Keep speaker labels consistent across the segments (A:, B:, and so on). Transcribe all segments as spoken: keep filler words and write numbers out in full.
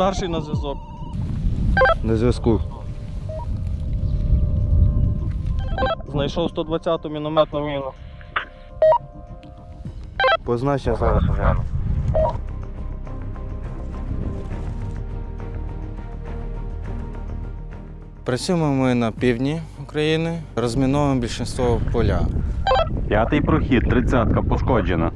A: Старший на зв'язок.
B: На зв'язку.
A: Знайшов сто двадцяту мінометну міну.
B: Позначення зараз огляну. Працюємо ми на півдні України, розміновуємо більшість поля.
C: П'ятий прохід, тридцятка пошкоджена.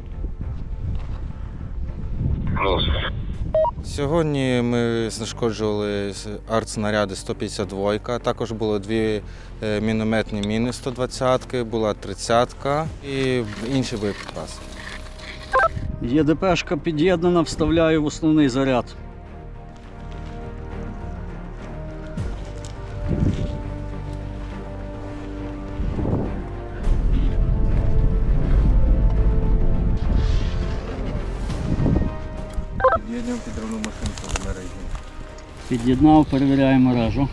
B: Сьогодні ми знешкоджували артснаряди сто п'ятдесят два, також було дві мінометні міни сто двадцятки, була тридцятка і інші боєприпаси.
D: ЄДПшка під'єднана, вставляю в основний заряд.
B: Під'єднуємо підривну машинку до мережі.
D: Під'єднав, перевіряю мережу.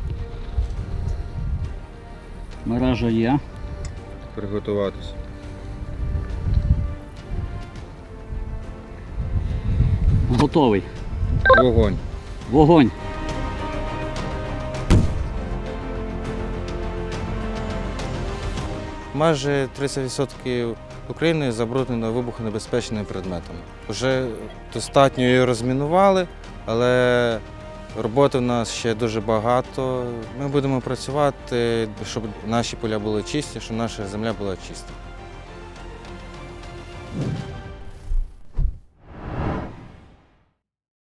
D: Мережа є.
B: Приготуватися.
D: Готовий.
B: Вогонь.
D: Вогонь.
B: Майже тридцять відсотків України забруднено вибухонебезпечними предметами. Вже достатньо її розмінували, але роботи в нас ще дуже багато. Ми будемо працювати, щоб наші поля були чисті, щоб наша земля була чиста.